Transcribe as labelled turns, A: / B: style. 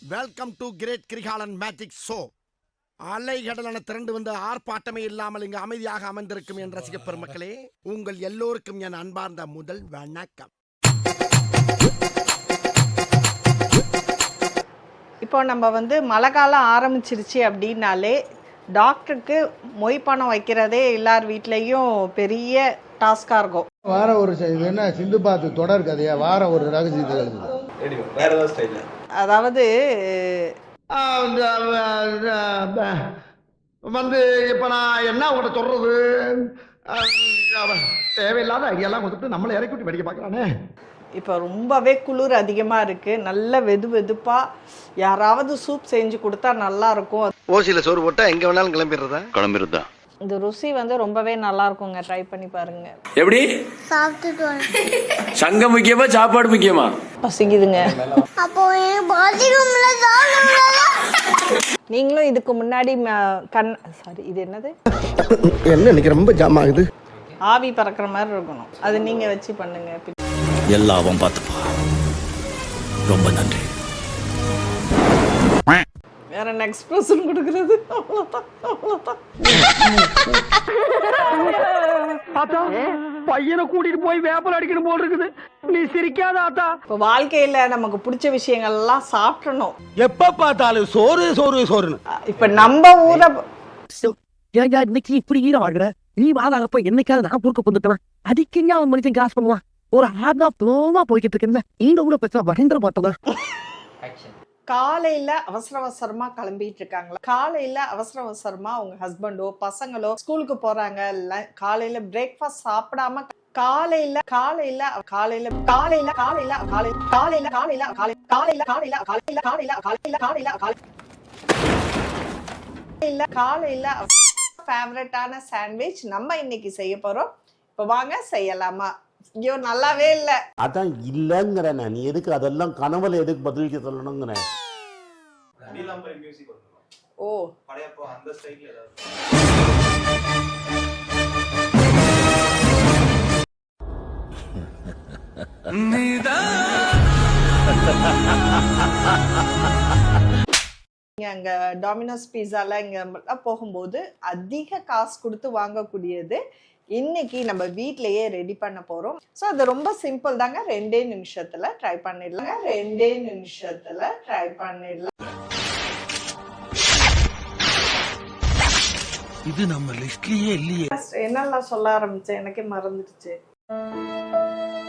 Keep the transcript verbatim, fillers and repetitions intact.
A: Welcome to great Kirikalan magic show. அலைகடலான திரண்டு வந்து ஆர்ப்பாட்டமே இல்லாமல் இங்கு அமைதியாக அமர்ந்திருக்கும் என் ரசிக பெருமக்களே, உங்கள் எல்லோருக்கும் என் அன்பார்ந்த முதல் வணக்கம்.
B: இப்போ நம்ம வந்து மழை காலம் ஆரம்பிச்சிருச்சு அப்படின்னாலே டாக்டருக்கு மொய் பணம் வைக்கிறதே எல்லார் வீட்லேயும் பெரிய டாஸ்காக இருக்கும்.
C: வார ஒரு இது என்ன சிந்து பாத்து தொடர் கதையா வாரம் ஒரு ரகசியத்தை எழுதுது.
B: அதாவது
C: வந்து இப்ப நான் என்ன உங்கள்கிட்ட சொல்றது, தேவையில்லாத ஐடியெல்லாம் கொடுத்துட்டு நம்மளை இறக்கி விட்டு படிக்க பார்க்கலானே.
B: இப்போ ரொம்பவே குளிர் அதிகமாக இருக்குது, நல்ல வெது வெதுப்பாக யாராவது சூப் செஞ்சு கொடுத்தா நல்லா இருக்கும்.
A: ஓசியில சோறு போட்டா எங்க வேணாலும் கிளம்பிடுறதா
D: கிளம்பிடுறதா
B: இந்த ருசி வந்து ரொம்பவே நல்லா இருக்குங்க, ட்ரை பண்ணி பாருங்க.
E: எப்படி சங்கம் முக்கியமா சாப்பாடு முக்கியமா?
B: பசிக்குதுங்க. நீங்களும் இதுக்கு முன்னாடி கண் சாரி இது என்னது
A: என்ன இன்னைக்கு ரொம்ப ஜாம் ஆகுது,
B: ஆவி பறக்கிற மாதிரி இருக்கணும், அது நீங்க வச்சு பண்ணுங்க.
D: எல்லாவும் பார்த்துப்பா. ரொம்ப நன்றி.
B: வேற நெக்ஸ்ட் பர்சன் கொடுக்கிறது அவ்வளவுதான் அவ்வளவுதான்.
C: பையனை கூட்டிட்டு போய் வேப்பல் அடிக்கணும் போல் இருக்குது. நீ சிரிக்காத ஆத்தா.
B: இப்போ வாழ்க்கையில நமக்கு பிடிச்ச விஷயங்கள் எல்லாம் சாப்பிடணும்.
C: எப்ப பார்த்தாலும் சோறு சோறு சோறுன்னு.
B: இப்ப நம்ம ஊரை
F: இன்னைக்கு இப்படி ஈரம் ஆகுற நீ வாழப்ப என்னைக்காவது நான் பொறுக்க வந்துட்டேன். அதுக்கு அவன் மனுஷன் காசு பண்ணுவான். ஒரு ஹார்டா ப்ளோமா போய்கிட்டு இருக்கேன். இந்த ஊரை பேச மகேந்திர பார்த்ததா
B: காலையில அவசர அவசரமா கிளம்பிட்டு இருக்காங்களா, காலையில அவசர அவசரமா உங்க ஹஸ்பண்டோ பசங்களோ ஸ்கூலுக்கு போறாங்க, காலையில பிரேக்ஃபாஸ்ட் சாப்பிடாம காலையில காலையில காலையில காலையில காலையில காலையில காலையில காலையில காலையில காலையில காலையில காலையில காலையில காலையில காலையில காலையில ஃபேவரட்டான சாண்ட்விச் நம்ம இன்னைக்கு செய்ய போறோம். இப்போ வாங்க செய்யலாமா? ஐயோ நல்லாவே இல்ல.
G: அதான் இல்லங்கிற நீ எதுக்கு அதெல்லாம் கனவுல எதுக்கு பதிலுக்கு சொல்லணுங்கிற.
B: ஓ
H: அந்த ஸ்டைல்ல ஏதாவது
B: அங்க டாமினோஸ் பீஸால இங்க போகும்போது அதிக காசு கொடுத்து வாங்கக்கூடியது இன்னைக்கு நம்ம வீட்லயே ரெடி பண்ண போறோம். ஸோ அது ரொம்ப சிம்பிள் தாங்க, ரெண்டே நிமிஷத்துல ட்ரை பண்ணிடலாங்க. ரெண்டே நிமிஷத்துல ட்ரை பண்ணிடலாம்.
F: இது நம்ம லிஸ்ட்லயே இல்லையே.
B: என்னெல்லாம் சொல்ல ஆரம்பிச்சேன் எனக்கே மறந்துடுச்சு.